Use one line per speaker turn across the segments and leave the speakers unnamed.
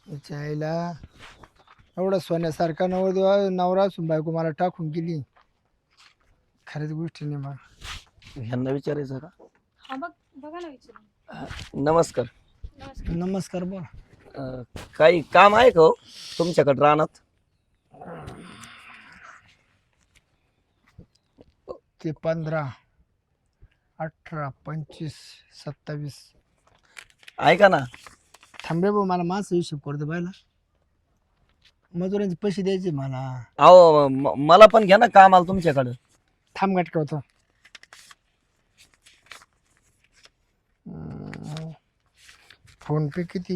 त्याच्या आईला एवढा सोन्यासारखा नवरदेव नवरा असून बायको मला टाकून गेली. खऱ्याच गोष्टी नाही मला.
ह्यांना विचारायचं का?
हा बघा ना विचारून.
नमस्कार.
नमस्कार.
नमस्कार बोला.
काही काम आहे का हो तुमच्याकडे रानात?
ते 15, 18, 25, 27.
ऐका ना,
थांबे भाऊ मला मास हिशोब करतो बायला. मजुरांचे पैसे द्यायचे मला.
अहो मला पण घ्या ना कामाला तुमच्याकडं.
थांब गाठका होतो. फोन पे किती?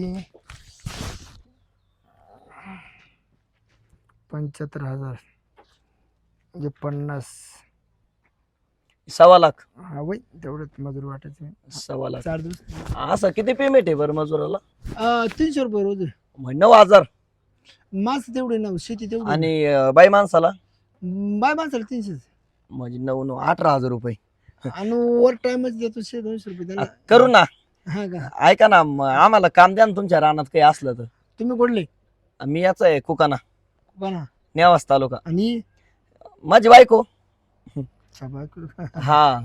75,000 म्हणजे 50.
1.25 लाख.
हा वय तेवढंच मजूर वाटायचं.
1.25 लाख
4 दिवस.
असं किती पेमेंट आहे बरं मजुराला?
300 रुपये रोज आहे.
म्हणजे 9,000.
मास तेवढे ना, शेती तेवढी.
आणि बाई माणसाला
बाय माणसाला 300.
म्हणजे 9 18,000 रुपये.
आणि ओव्हर टाइमच देतो 200 रुपये त्याला.
करू ना.
हा का?
ऐका ना, आम्हाला काम द्या ना तुमच्या रानात काही असलं तर.
तुम्ही कुठले?
मी याचा आहे कुकाना,
बना.
नेवास तालुका.
आणि
माझी बायको.
बायको.
हा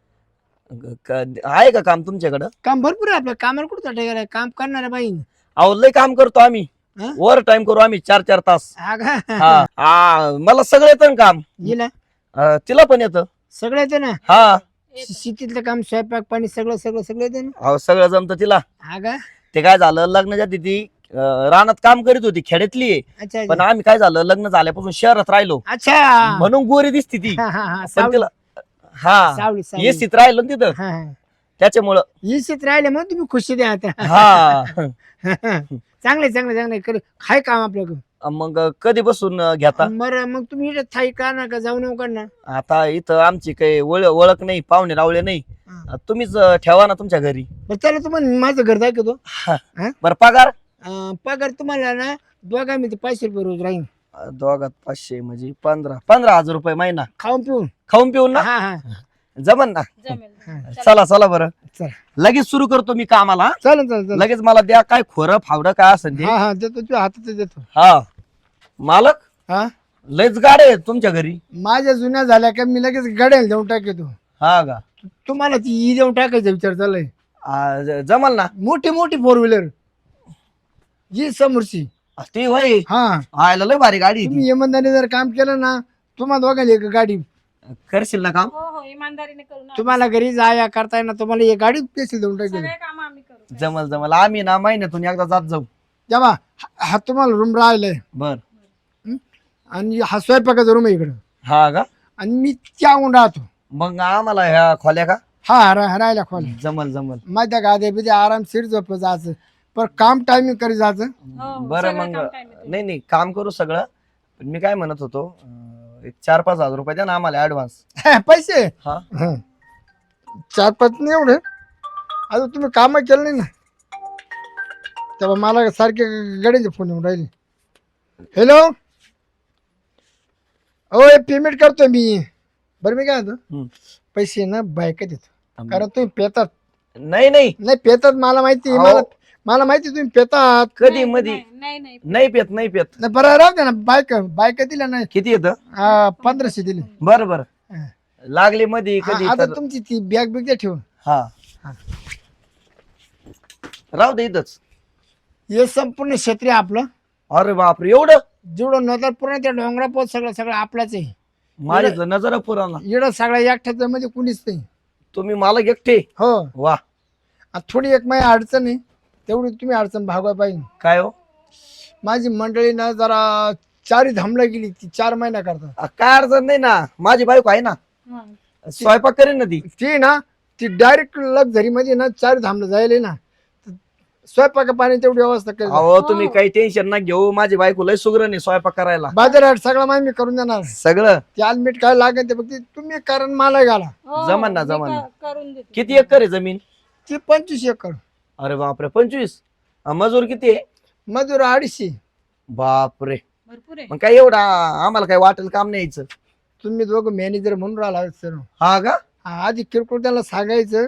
आहे का काम तुमच्याकडं?
काम भरपूर आहे आपलं. कामाला कुठं चाटा गेलाय? काम करणाऱ्या बाई.
अहो लय काम करतो आम्ही.
हा?
ओव्हर टाइम करू आम्ही 4-4 तास.
हा का?
हा मला सगळं येतं ना काम.
गेला
तिला पण येतं.
सगळं येतं ना.
हा
शेतीतलं काम, स्वयंपाक पाणी सगळं सगळं सगळं येतं ना.
अहो सगळं जमतं तिला.
हा का?
ते काय झालं, लग्नाच्या आधी ती रानात काम करीत होती, खेड्यातली आहे.
अच्छा
पण आम्ही काय झालं, लग्न झाल्यापासून शहरात राहिलो
अच्छा.
म्हणून गोरी दिसती ती.
हा, हा, हा.
पण
सावली
तिला हा
सावली सावली.
एसीत राहिलो ना तिथं,
हा, हा.
त्याच्यामुळं.
इशित राहिले मग तुम्ही खुशी द्या आता.
हा
चांगले चांगले चांगले कर. काय काम आपल्याकडं?
मग कधी बसून घेता?
बरं मग तुम्ही इकडे थाई का ना का जाऊ नका का ना.
आता इथं आमची काही ओळख नाही, पाहुणे रावळे नाही.
हा.
तुम्हीच ठेवा ना तुमच्या घरी.
बरं चला तुम्हाला माझं घर दाखवतो.
बरं पगार?
पगार तुम्हाला ना दोघा मी 500 रुपये रोज राहील.
दोघात 500 म्हणजे 15,000 रुपये महिना.
खाऊन पिऊन.
खाऊन पिऊन ना?
हा हा
जमन ना?
जमेल.
चला चला बरं,
चला.
लगेच सुरू करतो मी कामाला.
चालेल चालेल चालेल.
लगेच मला द्या काय खोरं फावडं काय असेल ते.
हा हा देतो तुझ्या हातात देतो.
हा मालक,
हा
लयच गाडे आहेत तुमच्या घरी.
माझ्या जुन्या झाल्या का मी लगेच गड्याला देऊन टाकतो.
हा का?
तुम्हाला ती ई देऊन टाकायचा विचार चाललाय.
जमल ना?
मोठी मोठी 4 व्हीलर जी समोरची.
ती वय
हा
आयला लय भारी गाडी आहे ती.
तुम्ही इमानदारीने जर काम केलं ना तुम्हाला दोघांना एक गाडी.
करशील ना काम?
हो हो इमानदारीने करू ना.
तुम्हाला घरी जाया करता येणार तुम्हाला एक गाडी पेशील देऊन टाकेल.
सगळे काम आम्ही करू.
जमल जमल, आम्ही ना महिन्यातून एकदा जात जाऊ.
जेव्हा हा तुम्हाला रूम राहिलाय
बर.
आणि हा स्वयंपाकाचा रूम आहे इकडं.
हा का?
आणि मी त्याहून राहतो.
मग आम्हाला ह्या खोल्या का?
हा राहायला खोल.
जमल जमल.
माझ्या गाद्या बिद्या आरामशीर झोप जायचं. पण काम टायमिंग करी जायचं.
हो, हो,
बरं
सगळं
मग
काम time आहे.
नाही नाही काम करू सगळं. पण मी काय म्हणत होतो, एक 4-5 हजार रुपये द्या ना आम्हाला ऍडव्हान्स.
पैसे
हा
4-5 नाही एवढे. आता तुम्ही काम केलं नाही ना तेव्हा मला सारखे गड्याचे फोन येऊन राहिले. हॅलो हो पेमेंट करतोय मी. बरं मी काय म्हणतो पैसे ना बायका देतो कारण तुम्ही पेतात.
नाही नाही
नाही पेतात मला माहिती.
अहो.
मला माहिती तुम्ही पेतात.
कधी
नाही,
मधी
नाही नाही
नाही पेत नाही पेत.
नाही बरं राहू दे ना. बायका दिल्या नाही.
किती येतं?
1500 दिले.
बरं बरं.
हा.
लागले मध्ये कधी
आता
तर-
तुमची ती बॅग बिग द्या ठेवून.
हा
हा.
राहू दे इथंच.
हे संपूर्ण क्षेत्र आहे आपलं.
अरे बापरे एवढं?
जेवढं नजर पूर्ण त्या डोंगरा पोत सगळं सगळं आपलाच आहे.
माझी नजर पुराणा.
इकडं सगळ्या एकट्याच्या मध्ये कुणीच नाही.
तुम्ही मालक एकटे?
हो
वा.
थोडी एक माझी अडचण आहे तेवढी तुम्ही अडचण भागवा पाहिजे.
काय हो?
माझी मंडळी ना जरा 4 धामला गेली ती 4 महिन्या करता.
काय अडचण नाही ना, माझी बायको आहे ना,
हा.
स्वयंपाक करेन ना ती.
ती ना ती डायरेक्ट लक्झरी मध्ये ना 4 धामला जायला ना स्वयंपाक पाणी तेवढी व्यवस्था केली.
अहो तुम्ही काही टेन्शन ना घेऊ, माझी बायको लय सुग्र नाही स्वयंपाक करायला.
बाजारात सगळं माहिती मी करून देणार.
सगळं
ते आलमीट काय लागेल ते फक्त तुम्ही कारण मला घाला.
हो,
जमन ना,
मी
जमन ना.
करून देते.
किती एकर आहे जमीन?
ती 25 एकर.
अरे बापरे 25. मजूर किती आहे?
मजूर 250.
बापरे.
भरपूर आहे.
मग काय एवढा आम्हाला काय वाटेल काम नाही यायचं.
तुम्ही दोघं मॅनेजर म्हणून राहिला सर.
हा का?
आधी किरकोळ त्याला सांगायचं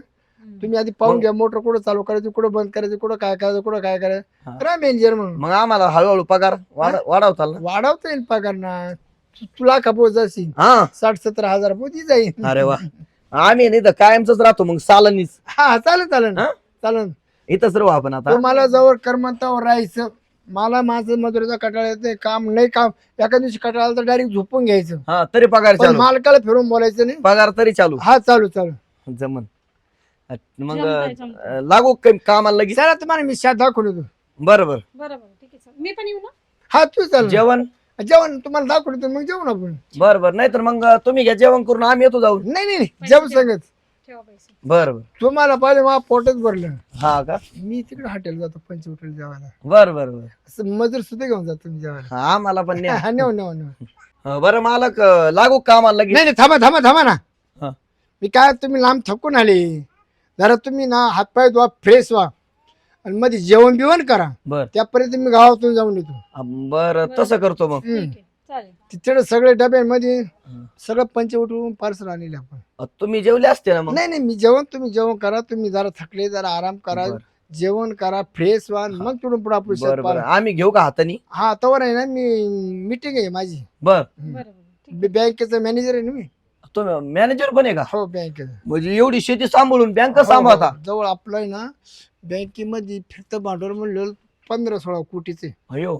तुम्ही आधी पाहून घ्या मोटर कुठं चालू करायची, कुठं बंद करायची, कुठं काय करायचं, कुठं काय करायचं.
हा.
करा मॅनेजर म्हणून.
मग आम्हाला हळूहळू पगार वाढवताल ना.
वाढवता येईल पगार ना. तुला खपोत जाशील
हा
60-70 हजार पोती जाईल.
अरे वा, आम्ही नाही तर कायमच राहतो मग सालनीच.
हा चालेल चालेल
हा?
चालेल.
इथंच राहू आपण आता.
तुम्हाला जवळ कर्मंतावर राहायचं. मला माझं मजुरीचा कटाळा येत नाही. काम नाही, काम एका दिवशी कटाळा आला तर डायरेक्ट झोपून घ्यायचं.
हा तरी पगार
पण
चालू,
मालकाला फिरून बोलायचं नाही.
पगार तरी चालू.
हा चालू चालू.
जमन. मग
जमतंय.
लागू कामाला लगेच.
चला तुम्हाला मी शाद दाखवून येतो.
बरं बरं.
बरोबर ठीक आहे चल. मी पण येऊ ना.
हा तू चाल.
जेवण
जेवण तुम्हाला दाखवून येतो, मग जेवण आपण.
बरं बरं, नाही तर मग तुम्ही घ्या जेवण करून, आम्ही येतो जाऊन.
नाही नाही जेवण सांगत.
ठेवा पैसे.
बरं बरं.
तुम्हाला पाहिजे मला पोटच भरलं.
हा का.
मी तिकडे हॉटेल जातो, पंच हॉटेल जेवायला.
बरं बरं बरं.
असं मजूर सुद्धा घेऊन जातो तुम्ही जेवायला.
हा आम्हाला पण न्या.
हा नेऊ नेऊ नेऊ.
बरं मालक, लागू कामाला लगेच.
नाही नाही थांबा थांबा थांबा ना.
हा.
मी काय तुम्ही लांब थकून आले. जरा तुम्ही ना हातपाय धुवा, फ्रेश व्हा आणि मध्ये जेवण बिवण करा.
बर
त्यापर्यंत मी गावातून जाऊन येतो.
बर तसं करतो मग.
ठीक आहे चालेल.
तिथे सगळे डब्यांमध्ये सगळं पंच उठवून पार्सल आणले आपण.
तुम्ही जेवले असते ना मग.
नाही नाही मी तुम्ही जेवण करा. तुम्ही जरा थकले, जरा आराम करा,
बरं.
जेवण करा, फ्रेश व्हा, मग तिकडून पुढे आपण
बरं बरं, आम्ही घेऊ का हातानी.
हा तवर आहे ना, मी मीटिंग आहे माझी.
बर,
बरोबर ठीक
बँकेचा मॅनेजर आहे ना मी.
तुम्ही मॅनेजर पण आहे का.
हो बँकेचा.
म्हणजे एवढी शेती सांभाळून बँक सांभाळता.
जवळ आपलं आहे ना बँकेमध्ये फिरतं भांडवल म्हणलं 15-16 कोटीचे.
अयो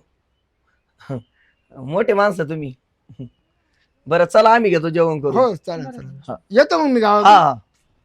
मोठे माणसं तुम्ही. बरं चला आम्ही घेतो जेवण करू.
हो चालेल
हा.
चालेल. येतो मग मी गावात.
हा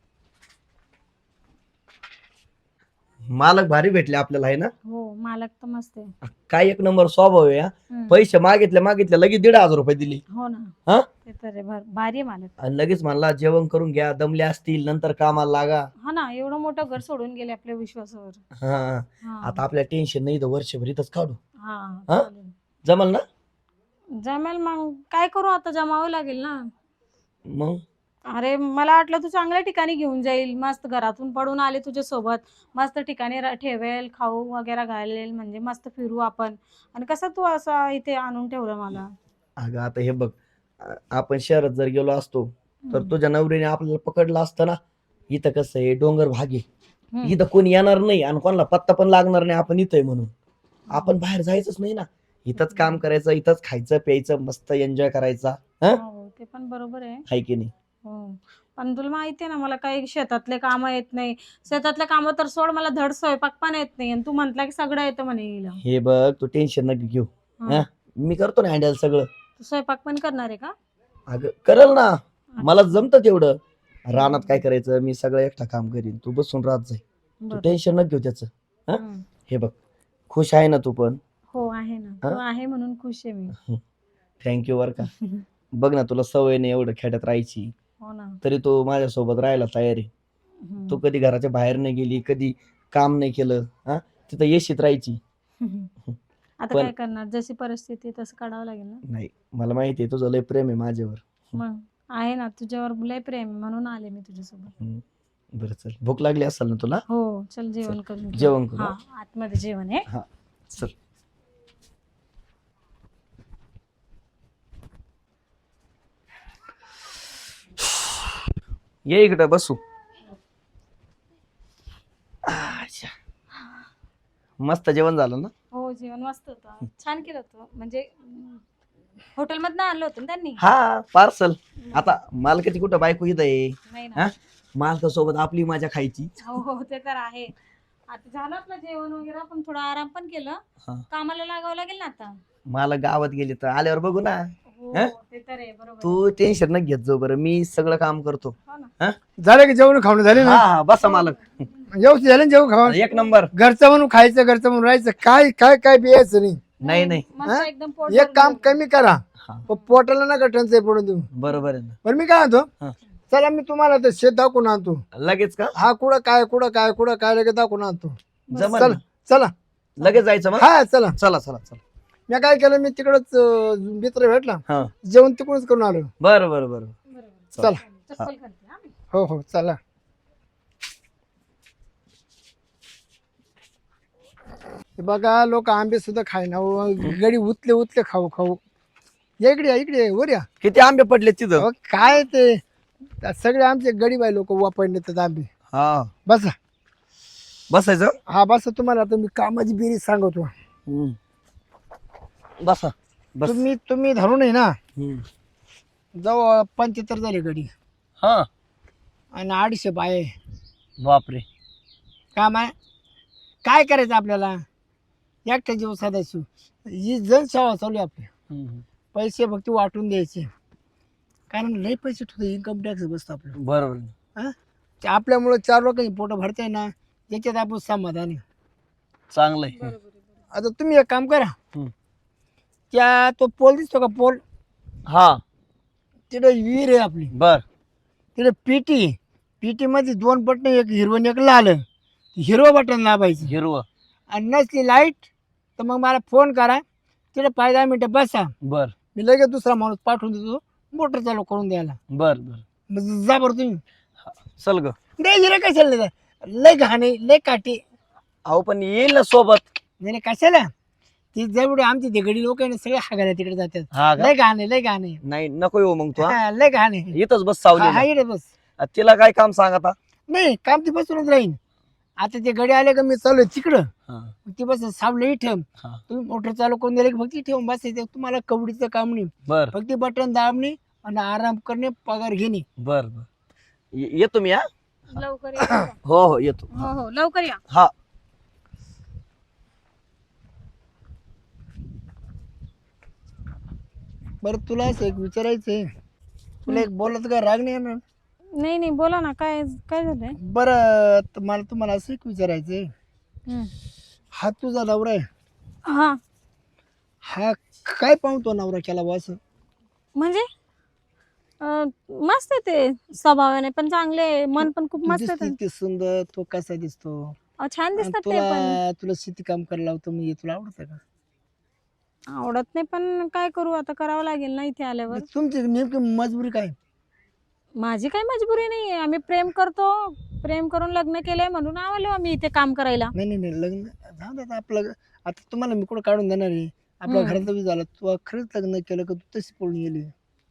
मालक भारी भेटले आपल्याला आहे ना.
हो मालक तर मस्त आहे.
काय एक नंबर स्वभाव आहे. हा. पैसे मागितले लगेच 1,500 रुपये दिले.
हो ना.
हा
ते तर आहे, भारी आहे मालक.
आणि लगेच म्हणला जेवण करून घ्या, दमले असतील नंतर कामाला लागा.
हा ना, एवढं मोठं घर सोडून गेले आपल्या विश्वासावर.
हा
हा.
आता आपल्या टेन्शन नाही तर वर्षभर इथंच काढू.
हा
हा?
चालेल.
जमल ना.
जमेल मग काय करू आता, जमावं लागेल ना.
मग
अरे मला वाटलं तू चांगल्या ठिकाणी घेऊन जाईल, मस्त घरातून पडून आले तुझ्या सोबत, मस्त ठिकाणी ठेवेल, खाऊ वगैरे घालेल, म्हणजे मस्त फिरू आपण. आणि कसं तू असं इथे आणून ठेवलं मला.
अगं आता हे बघ, आपण शहरात जर गेलो असतो तर तुझ्या नवरीने आपल्याला पकडलं असतं ना. इथं कसं आहे, डोंगर भाग आहे.
हम्म.
इथं कोणी येणार नाही आणि कोणाला पत्ता पण लागणार नाही आपण इथं आहे म्हणून. आपण बाहेर जायचंच नाही ना. इथंच काम करायचं, इथंच खायचं प्यायचं, मस्त एन्जॉय करायचा.
हो ते पण बरोबर आहे.
हाय की नाही.
हो पण तुला माहिती आहे ना, मला काही शेतातले काम येत नाही. शेतातले काम तर सोड, मला धड स्वयंपाक पण येत नाही. आणि तू म्हंटला की सगळं येतं म्हणे हिला.
हे बघ तू टेन्शन नका घेऊ.
हा.
मी करतो ना हँडल सगळं.
तू स्वयंपाक पण करणार आहे का.
अगं करल ना, मला जमतं तेवढं. रानात काय करायचं, मी सगळं एकटा काम करीन, तू बसून राहत जाई. तू
बरं.
टेन्शन नका घेऊ त्याचं.
हम्म.
हे बघ, खुश आहे ना तू पण.
हो आहे ना, तू आहे म्हणून खुश आहे मी.
थँक्यू बर का. बघ ना, तुला सवय नाही एवढं खेड्यात राहायची,
हो ना.
तरी तू माझ्यासोबत राहायला तयार आहे.
हम्म.
तू कधी घराच्या बाहेर नाही गेली, कधी काम नाही केलं. हा तिथं येशीत राहायची.
आता
पण-
काय करणार, जशी परिस्थिती तसं काढावं लागेल ना.
नाही, मला माहिती आहे तुझं लय प्रेम आहे माझ्यावर.
मग आहे ना, तुझ्यावर लय प्रेम आहे, म्हणून आले मी तुझ्यासोबत.
बरं चल, भूक लागली असेल ना तुला.
हो चल जेवण करून घेऊ.
जेवण करू.
हा आतमध्ये जेवण आहे.
हा चल. ये इकडे बसू. अच्छा. मस्त जेवण झालं ना.
हो जेवण मस्त होतं, छान केलं होतं. म्हणजे हॉटेलमधनं आणलं होतं ना त्यांनी.
हा पार्सल. आता मालकाची कुठं बायको इथं आहे.
नाही
हा?
ना.
मालकासोबत आपली मजा खायची.
हो हो ते तर आहे. आता झालं आपलं जेवण वगैरे, पण थोडा आराम पण केलं.
हा.
कामाला लागावं लागेल ना आता.
मला गावात गेली तर आल्यावर बघू ना.
हो
हा?
ते तर आहे, बरोबर आहे.
तू टेन्शन न घेत जाऊ, बरं मी सगळं काम करतो.
हो ना.
हा
झालं की जेवण खावणं झाले
हा
ना.
हा, बसा मालक.
व्यवस्थित झालं ना जेवण खावण.
एक नंबर.
घरचं म्हणून खायचं, घरचं म्हणून राहायचं. काय काय काय बियायचं नाही.
नाही नाही,
मस्त
हा?
एकदम पोट
एक काम
भरून
कमी करा,
हा
पण पोटाला नका टंचाई पडून देऊ.
बरोबर आहे ना.
पण मी काय म्हणतो,
हा.
चला मी तुम्हाला ते शेत दाखवून आणतो.
लगेच का.
हा कुठं काय लगेच दाखवून आणतो.
जमल
चला
ना?
चला.
लगेच जायचं मग.
हा चला.
चला चला चला.
मी काय केलं, मी तिकडच मित्र भेटला,
हा
जेवण तिकडूनच करून आलो.
बरं बरं बरं.
बरोबर.
चला.
चप्पल घालते हा मी.
हो हो चला. हे बघा लोक आंबे सुद्धा खायना, गडी उतले उतले खाऊ खाऊ. या इकडे, या इकडे, वर या.
किती आंबे पडले तिथं.
अहो, काय ते सगळे आमचे गरीब आहे लोक वापरले तर आंबे.
हा
बसा.
बसायचं.
हा बसा. तुम्हाला आता मी कामाची बेरीज सांगतो.
बसा बस.
तुम्ही धरून आहे ना,
हम्म.
जवळ 75 झाले गडी
हा
आणि 250 बाय.
बापरे.
काम आहे. काय करायचं आपल्याला? एकट्या जीव साधायचो. ही जनसेवा चालू आहे आपली. पैसे फक्त वाटून द्यायचे, कारण लई पैसे ठेवतो. इन्कम टॅक्स बसतो आपलं.
बरोबर.
हा, ते आपल्यामुळं 4 लोकांची पोटं भरताय ना, याच्यात आपण समाधानी.
चांगलंय.
आता तुम्ही एक काम करा.
हम्म.
त्या तो पोल दिसतो का पोल,
हा
तिथे विहीर आहे आपली.
बर.
तिथे पीटी मध्ये 2 बटन, एक हिरवं आणि एक लाल. हिरवं बटन दाबायचं
हिरवं.
आणि नसली लाईट तर मग मला फोन करा. तिथे 5-10 मिनिटं बसा.
बर
मी लगेच दुसरा माणूस पाठवून देतो मोटर चालू करून द्यायला.
बर बर.
मग जा बरं तुम्ही.
चल ग.
नाही हिरे कशाला नाही, लय घाणे लय काटे.
अहो पण येईल ना सोबत.
नाही कशाला, ती जेवढे आमची तिकडे लोक आहे ना, सगळे हागायला तिकडे जातात.
हा का?
लय घाणे लय घाणे.
नाही नको येऊ मग तू.
हा, लय घाणे.
इथंच बस
हा
सावली.
इकडे बस.
तिला काय काम सांग आता.
नाही काम ती बसूनच राहीन. आता ते गडी आले का मी चालू तिकडं,
हा.
ती बस सावलं इथं.
हा.
तुम्ही मोटर चालू करून दिले की फक्त ठेवून बसायचं. तुम्हाला कवडीचं काम नाही,
बर
फक्त बटन दाबणे आणि आराम करणे, पगार घेणे.
बर बर. येतो मी. हा
लवकर या.
हो हो येतो.
हो हो लवकर या.
हा.
बरं तुला असं एक विचारायचंय, तुला एक बोलत काय राग नाही येणार?
नाही नाही बोला ना, काय काय झालंय?
बरं मला तुम्हाला असं एक विचारायचंय.
हम्म.
हा तुझा नवरा आहे,
हा
हा काय पाहतो नवरा केला बा असं?
म्हणजे मस्त आहे ते, स्वभावाने पण चांगले आहे, मन पण खूप मस्त आहे
दिसते सुंदर, तो कसा दिसतो?
छान
आणि
दिसतात ते पण.
तुला शेती काम करायला लावतो म्हणजे तुला आवडतं का?
आवडत नाही पण काय करू आता, करावं लागेल ना इथे आल्यावर.
तुमची नेमकी मजबुरी काय?
माझी काही मजबुरी नाही आहे, आम्ही प्रेम करतो, प्रेम करून लग्न केलंय म्हणून आलो आम्ही इथे काम करायला.
नाही नाही नाही, लग्न जाऊ दे आता आपलं. आता तुम्हाला मी कुठं काढून देणार आहे? आपल्या घरातलं बी झालं. तू खरंच लग्न केलं का तू तशी पळून गेली?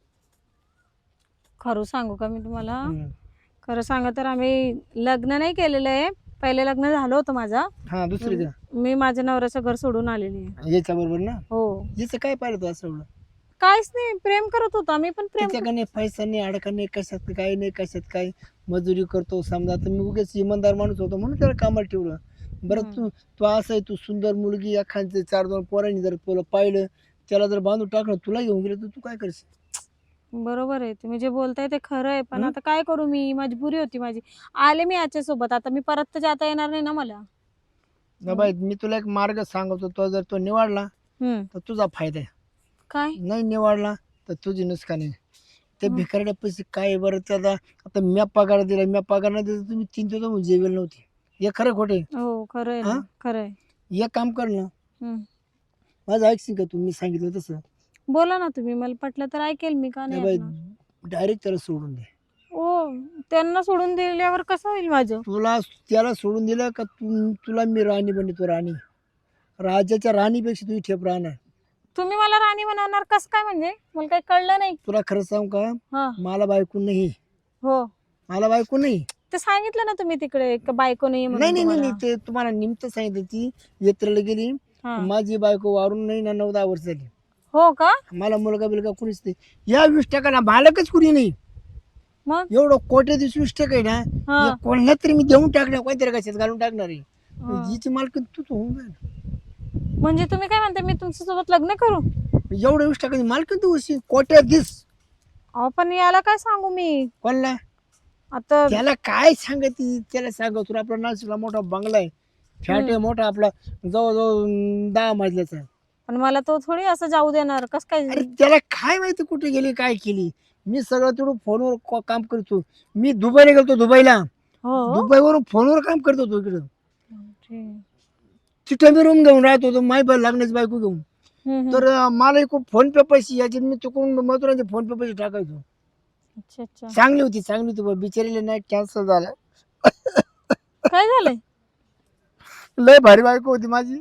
खरं सांगू का मी तुम्हाला? खरं सांगा तर आम्ही लग्न नाही केलेलं आहे, पहिले लग्न झालं होतं माझं.
हा दुसरी का?
मी माझ्या नवऱ्याचं घर सोडून आलेली आहे.
याच्या बरोबर ना?
हो.
याचं काय पाहिलं तू असं एवढं?
काहीच नाही, प्रेम करत होतो आम्ही पण प्रेम.
त्याच्याकडे पैसा नाही, अडका नाही, कशात काही नाही, कशात काय मजुरी करतो. समजा आता मी उगेच इमानदार माणूस होतो म्हणून त्याला कामाला ठेवलं. बरं तू तू असं आहे, तू सुंदर मुलगी, एखाद्या 4-2 पोरांनी जर तुला पाहिलं, त्याला जर बांधून टाकलं, तुला घेऊन गेलं तर तू काय करशील?
बरोबर आहे, तुम्ही जे बोलताय ते खरं आहे, पण आता काय करू, मी मजबुरी होती माझी. आले मी याच्या सोबत, आता मी परत तर जाता येणार नाही ना मला.
ना बाई मी तुला एक मार्ग सांगतो, तो जर तो निवडला तर तुझा फायदा आहे.
काय?
नाही निवडला तर तुझी नुकसान आहे. ते भिकारड्या पैसे काय बरं त्याचा? आता म्या पगार दिला, म्या पगार नाही दिला, तुम्ही 3 दिवस म्हणून जेवेल नव्हती. हे खरं खोटे?
हो खरं आहे ना, खरं आहे.
एक काम कर ना, माझं ऐकशील का तू? मी सांगितलं तसं
बोला ना तुम्ही, मला पटलं तर ऐकेल मी, का नाही
बाई.
ऐकणार?
डायरेक्ट त्याला सोडून दे.
ओ, त्यांना सोडून दिल्यावर कसं होईल माझं?
त्याला सोडून दिलं का तुला मी राणी बनतो. राणी, राजाच्या राणीपेक्षा तुझी ठेप राहणार.
तुम्ही मला राणी बनवणार कसं काय? म्हणजे मला काही कळलं नाही.
तुला खरं सांगू का,
हा.
मला बायको नाही.
हो
मला बायको नाही.
ते सांगितलं ना तुम्ही तिकडे का बायको नाही
नाही नाही नाही, ते तुम्हाला निमित्त सांगितलं. ती यात्रेला गेली, माझी बायको वारून नाही ना 9-10 वर्ष झाली.
हो का?
मला मुलगा बिलगा कुणीच नाही. या 20% मालकच कुणी नाही.
मग
एवढं कोटी 20% आहे ना, कोणाला तरी मी देऊन टाकणार, कोणतरी कशात घालून टाकणार आहे. जिची मालकी तू होऊन जाईल.
म्हणजे तुम्ही काय म्हणता, मी तुमच्या सोबत लग्न करू?
एवढं 20% मालकी तू होशील, कोट्यात दिस.
अहो पण याला काय सांगू मी
कोणला?
आता?
त्याला काय सांगती? त्याला सांग तुला आपला नाशिकला मोठा बंगला आहे, फ्लॅट आहे मोठा आपला, जवळजवळ 10 मजल्याचा आहे.
पण मला तो थोडी असं जाऊ देणार, कस काय?
अरे त्याला काय माहिती कुठे गेली काय केली? मी सगळं तेवढं फोनवर काम करतो. मी दुबईला गेलतो, दुबईला. दुबईवरून फोनवर काम करत होतो इकडं. तिथं मी रूम घेऊन राहत होतो, माय लागण्याची बायको घेऊन. तर मला खूप फोन पे पैसे यायचे, मी चुकून मजुरांचे फोन पे पैसे टाकायचो. चांगली होती बिचारीला नाही, कॅन्सल झालं.
काय झालंय?
लय भारी बायको होती माझी.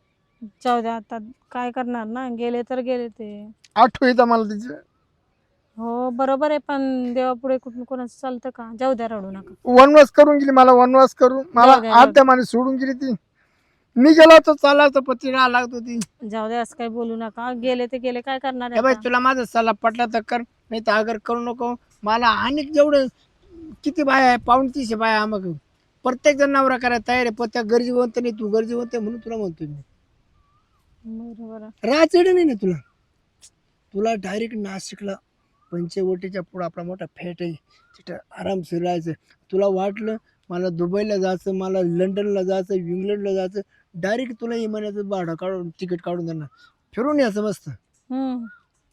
जाऊ द्या, आता काय करणार ना, गेले तर गेले ते.
आठवण येतं मला तिची.
हो बरोबर आहे, पण देवापुढे कुठून कोणाचं चालतं का? जाऊ द्या, रडू नका.
वनवास करून गेली मला, वनवास करून मला
जाऊ द्या, जाऊ
आत्या माने सोडून गेली ती. मी गेलो तर चालायचं पती राहा लागत होती.
जाऊ द्या, असं काही बोलू नका. गेले ते गेले, काय करणार
ए
आहे
बाई
आता?
तुला माझा सल्ला पटला तर कर, नाही तर अगर करू नको. मला आणि जेवढं किती बाय आहे, 250 बाय मग प्रत्येक जण नवरा करायला तयार आहे, पण त्या गरजेवंत नाही, तू गरजेवंत आहे म्हणून तुला म्हणतोय मी.
बरोबर आहे.
राहायचं नाही ना तुला. तुला डायरेक्ट नाशिकला पंचवटीच्या पुढं आपला मोठा फेट आहे, तिथं आरामशीर राहायचं. तुला वाटलं मला दुबईला जायचं, मला लंडनला जायचं, इंग्लंडला जायचं, डायरेक्ट तुला इमानाचं भाडं काढून तिकीट काढून देणार, फिरून यायचं मस्त.
हम्म.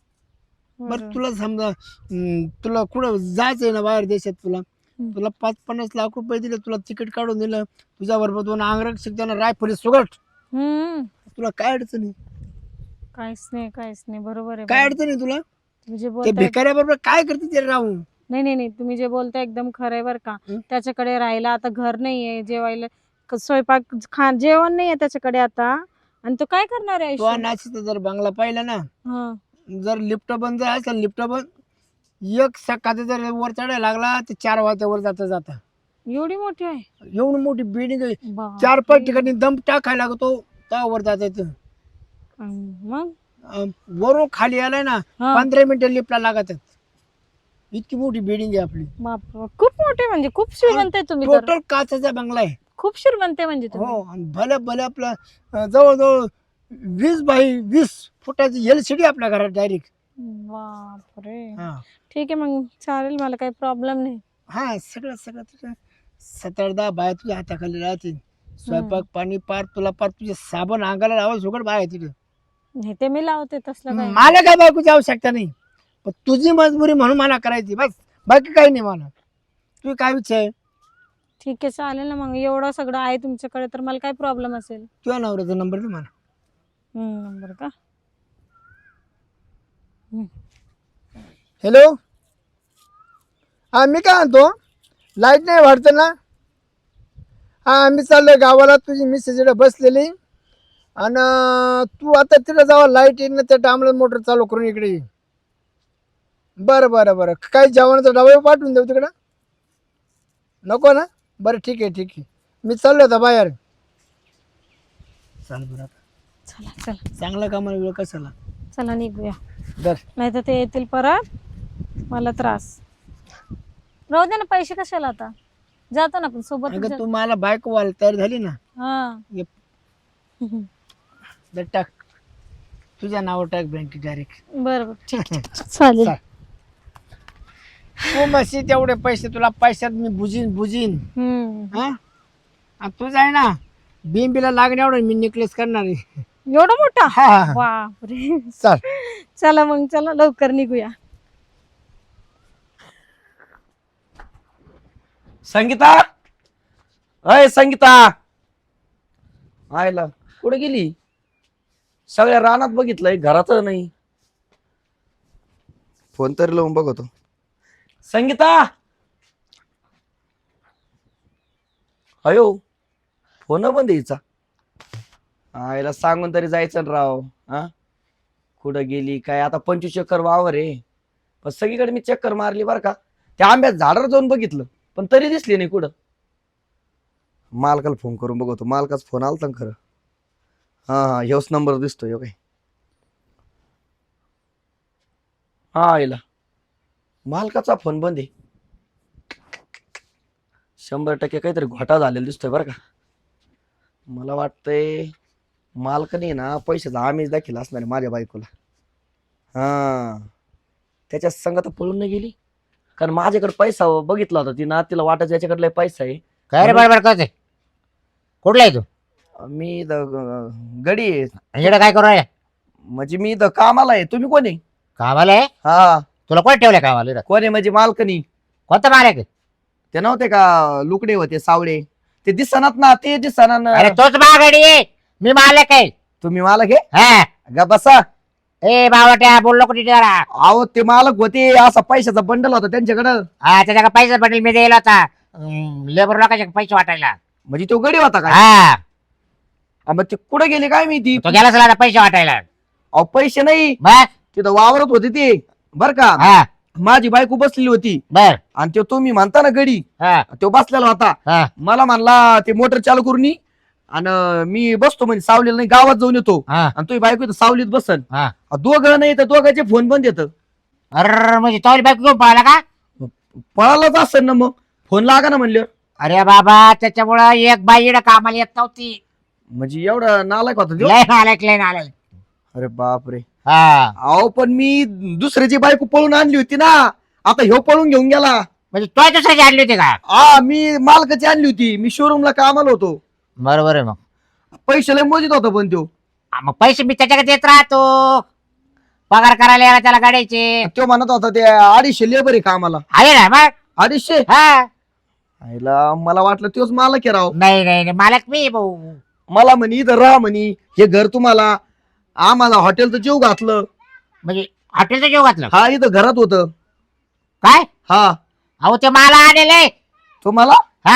बरं तुला समजा तुला कुठं जायचंय ना बाहेर देशात, तुला तुला 5-50 लाख रुपये दिले, तुला तिकीट काढून दिलं, तुझ्या बरोबर 2 अंगरक्षक त्यांना रायफली सुगट,
हम्म.
तुला काय अडचण आहे?
काहीच नाही, काहीच नाही. बरोबर आहे.
काय
बरोबर.
अडचण आहे तुला?
तुम्ही जे
ते
बोलताय,
भिकाऱ्याबरोबर काय करते ते राहून?
नाही नाही नाही, तुम्ही जे बोलताय एकदम खरं आहे बरं का.
हं?
त्याच्याकडे राहायला आता घर नाहीये, जेवायला स्वयंपाक जेवण नाहीये त्याच्याकडे आता, आणि तो काय करणार आहे
तो
आयुष्य?
नाशिकचा जर बंगला पाहिला ना,
हा.
जर लिफ्ट बंद जर असेल, लिफ्ट बंद, एक सकाळचा जर वर चढायला लागला तर 4 वाजतावर जाता
एवढी मोठी आहे?
एवढी मोठी बिल्डिंग आहे,
बापरे.
4-5 ठिकाणी दम टाकायला लागतो त्या वर जायचं.
मग
वरून खाली आलाय ना
हा.
15 मिनिटं लिफ्टला लागतात. इतकी मोठी बिल्डिंग आहे आपली.
बाप, खूप मोठे, म्हणजे खूप श्रीमंत आहे तुम्ही तर.
टोटल काचाचा बंगला आहे.
खूप श्रीमंत आहे म्हणजे तुम्ही.
हो, आणि भले भले आपलं जवळजवळ 20 बाय 20 फुटाची LCD आपल्या घरात डायरेक्ट.
बापरे.
हा
ठीक आहे मग, चालेल, मला काही प्रॉब्लेम नाही.
हा, सगळं सगळं तुझं 7-10 बाया तुझ्या हाताखाली राहतील, स्वयंपाक पाणी पार तुला, पार तुझे साबण अंगाला लावा सुगड बाय तिथे.
नाही ते मी लावते, तसलं काय.
मला काय बायकोची आवश्यकता नाही, पण तुझी मजबुरी म्हणून मला करायची बस, बाकी काही नाही मला. तुझी काय इच्छा आहे?
ठीक आहे, चालेल ना मग. एवढं सगळं आहे तुमच्याकडे तर मला काय प्रॉब्लेम असेल?
तुझ्या नवऱ्याचा नंबर दे मला.
नंबर का?
हॅलो, हा मी काय म्हणतो, लाईट नाही वाढतं ना? हा, आम्ही चाललोय गावाला, तुझी मिसेस इकडे बसलेली, आणि तू आता तिकडे जावा, लाईट येईल ना त्या टायमाला मोटर चालू करून इकडे ये. बरं बरं बरं, काही जेवणाचा डबा पाठवून देऊ तिकडं? नको ना? बरं ठीक आहे ठीक आहे, मी चाललो आता बाहेर. चाल बरं, आता
चला चला
चांगला कामाला वेळ कशाला.
चला, निघूया,
दर
नाही तर ते येतील परत, मला त्रास. राहू दे ना, पैसे कशाला आता, जातो ना आपण सोबत.
अगं तू मला बायको व्हायला तयार झाली ना,
हा.
ये दर टाक, तुझ्या नावावर टाक बँकेत डायरेक्ट.
बरं ठीक आहे, चालेल.
चाल. तू मशी तेवढे पैसे तुला पैशात मी बुजीन. हा, आणि तुझं आहे ना बिंबीला लागण्या एवढं मी नेकलेस करणार आहे.
एवढा मोठा?
हा,
बापरे.
चाल.
चला मग, चला लवकर निघूया.
संगीता, अय संगीता, आयला कुठे गेली? सगळ्या रानात बघितलंय, घरात नाही. फोन तरी लावून बघतो. संगीता, अयो फोन बंद यायचा. आयला सांगून तरी जायचं ना राव. हा, कुठं गेली काय? आता 25 चक्कर वावर आहे, पण सगळीकडे मी चक्कर मारली बरं का. त्या आंब्यात झाडावर जाऊन बघितलं, पण तरी दिसली नाही कुठं. मालकाला फोन करून बघतो. मालकाचा फोन आलता ना खरं. हा हा, ह्योच नंबर दिसतोय काय. हा, आईला मालकाचा फोन बंद आहे. 100% काहीतरी घोटाळा झालेला दिसतोय बरं का. मला वाटतंय मालकाने ना पैशाचा आमिष दाखिला असणार आहे माझ्या बायकोला. हा, त्याच्या संगत पळून नाही गेली, कारण माझ्याकडे पैसा बघितला होता तिनं, तिला वाटायचं याच्याकडे पैसा आहे.
काय रे बरोबर करते? कुठला आहे तू?
मी गडी आहे.
इकडे काय करू राहिला?
म्हणजे मी इथं कामाला आहे. तुम्ही कोण आहे?
कामाला आहे?
हा,
तुला कोण ठेवलंय कामाला इथं?
कोण आहे म्हणजे मालकनी?
कोणता माल आहे?
ते नव्हते का लुकडे होते सावळे, ते दिसनात ना, ते दिसना ना.
अरे तोच मागाडी आहे, मी मालक आहे.
तुम्ही मालक आहे?
हा,
गा बसा.
ए बावट्या बोललो कुठे जरा.
अहो ते मालक होते, असा पैशाचा बंडल होता त्यांच्याकडं.
हा, त्याच्या पैसा पडेल मी द्यायला होता लेबर लोकांचे पैसे वाटायला.
म्हणजे तो गडी होता का?
हा,
मग ते कुठे गेले काय मी? ती
तो गेला सला पैसे वाटायला.
अहो पैसे नाही,
बस.
तिथं वावरत होते ते बर का.
हा,
माझी बायको बसलेली होती
बर
आणि तो तुम्ही म्हणता ना गडी
हा
तो बसलेला होता.
हा
मला म्हणला ते मोटर चालू करून ये आणि मी बसतो म्हणजे सावलीला नाही गावात जाऊन येतो
हा
आणि तुझी बायको इथं सावलीत बसन.
हा
दोघं नाही तर दोघांचे फोन बंद येतं.
अरे म्हणजे तवली बायको घेऊन पळाला का?
पळालाच असेल ना मग फोन लागा ना म्हणलं.
अरे बाबा त्याच्यामुळं एक बाई इकडं कामाला येत नव्हती.
म्हणजे एवढा नालायक होता त्यो?
लय नालायक लय नालायक.
अरे बापरे.
हा
अहो पण मी दुसऱ्याची बायको पळून आणली होती ना. आता ह्यो पळून घेऊन गेला.
म्हणजे तो दुसऱ्याची आणली होती का?
मी मालकाची आणली होती. मी शोरूमला कामाला होतो.
बरोबर आहे मग.
पैसे लय मोजित होता पण त्यो.
मग पैसे मी त्याच्याकडे देत राहतो. पगार करायला यायला त्याला गाड्याचे
तो म्हणत होता ते 250 लेबर आहे कामाला.
आहे ना मग.
250.
हा
आईला मला वाटलं तोच मालक आहे राव.
नाही नाही नाही, मालक मी भाऊ.
मला म्हणे इथं राहा म्हणे हे घर तुम्हाला. आम्हाला हॉटेलचं जेव घातलं.
म्हणजे हॉटेलचं जेव घातलं
हा इथं घरात होतं.
काय?
हा
अहो ते मला आणले.
तुम्हाला.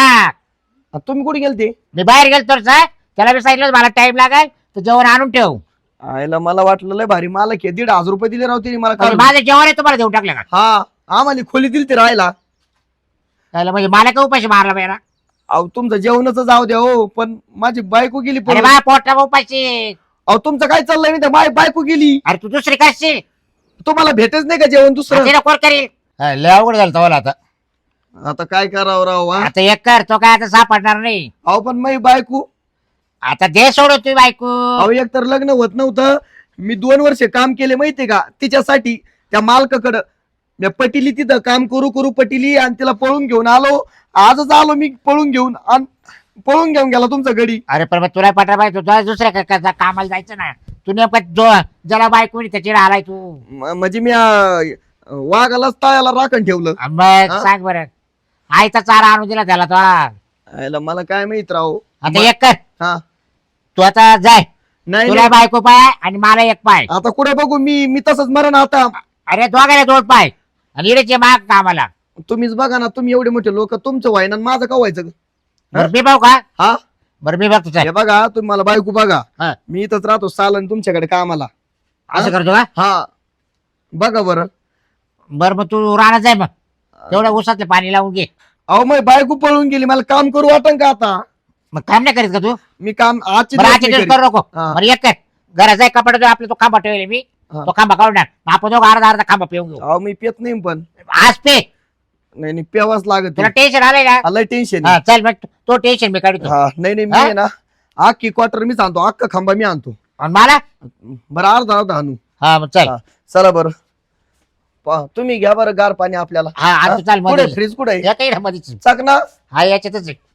हा
तुम्ही कुठे गेलते?
मी बाहेर गेलो तर त्याला मी सांगितलं मला टाइम लागेल तर जेवण आणून ठेव.
आईला मला वाटलं लय भारी मालक आहे. 1,500 रुपये दिले राव तिने मला
म्हणजे
काढून.
माझं जेवण आहे तुम्हाला देऊन टाकलं का?
हा आम्हाला खोली दिली ते राहायला.
त्याला म्हणजे मला का उपाशी मारला पाहिजे?
अहो तुमचं जेवणच जाऊ द्या हो पण माझी बायको गेली
अरे
पळून.
बा पोटा उपाशी.
अहो तुमचं काय चाललंय मी माझी बायको गेली.
अरे तू दुसरी करशील
तुम्हाला भेटच नाही का जेवण दुसरं?
तिला कोण करील? लय अवघड झालं तवाला आता.
आता काय करावं राव हा?
आता एक कर तो काय आता सापडणार नाही.
अहो पण माझी बायको.
आता दे सोड तू बायको.
अहो एक तर लग्न होत नव्हतं. मी 2 वर्ष काम केले माहितीये का तिच्यासाठी त्या मालकाकडं. मी पटिली तिथं काम करू करू पटिली आणि तिला पळून घेऊन आलो. आजच आलो मी पळून घेऊन आणि पळून घेऊन गेला तुमचा गडी.
अरे पण मग तुला पटा पाहिजे तुला दुसऱ्या कामाला जायचं ना. तू नेमकं ज्याला बायको त्याची आलाय तू.
म्हणजे मी वाघालाच तळ्याला राखण ठेवलं.
मग
हा?
सांग बरं. आईचा चारा आणून दिला त्याला तो.
आयला मला काय माहित राव.
आता एक कर
हा
तू आता जाय.
नाही
तुला
नाही.
बायको पाय आणि मला एक पाय.
आता कुठे बघू मी तसंच मरण आता.
अरे दोघायला 2 पाय आणि इडेचे माग कामाला.
तुम्हीच बघा ना तुम्ही एवढे मोठे लोक तुमचं व्हायना आणि माझं का व्हायचं?
बरं मी भाऊ का?
हा
बरं मी बघतो चल.
हे बघा तुम्ही मला बायको बघा.
हा.
मी इथंच राहतो सालन तुमच्याकडे कामाला.
असं करतो का?
हा बघा बरं.
बरं मग तू राहणार जाय मग. तेवढं उसातलं पाणी लावून घे.
अहो मग बायको पळून गेली मला काम करू वाटन का आता?
मग काम नाही करीत का तू?
मी काम आजची
बरं
दिवस
आजच्या
नाही
दिवस
करीत.
करू नको.
हा.
बरं एक कर घरात जाय कपडा जो आपला तो खांबा ठेवले मी.
हा.
तो खांबा काढून टाक. मग आपण दोघं अर्धा खांबा पिऊन घेऊ.
अहो मी पेत नाही पण.
आज पे
नाही पेवाच लागत.
तुला टेन्शन आलंय ना?
लय टेन्शन.
हा चल मग तो टेन्शन मी काढतो.
हा नाही मी
हा?
आहे ना अख्खी क्वार्टर मीच आणतो. अख्खा खांबा मी आणतो.
आणि मला
बरं अर्धा आणू.
हा मग चल.
हा, चला बरं. तुम्ही घ्या बरं गार पाणी आपल्याला.
हा आता चाल
कुठे
मध्ये
फ्रीज कुठे
या काही मध्येच.
चक ना.
हा याच्यातच आहे.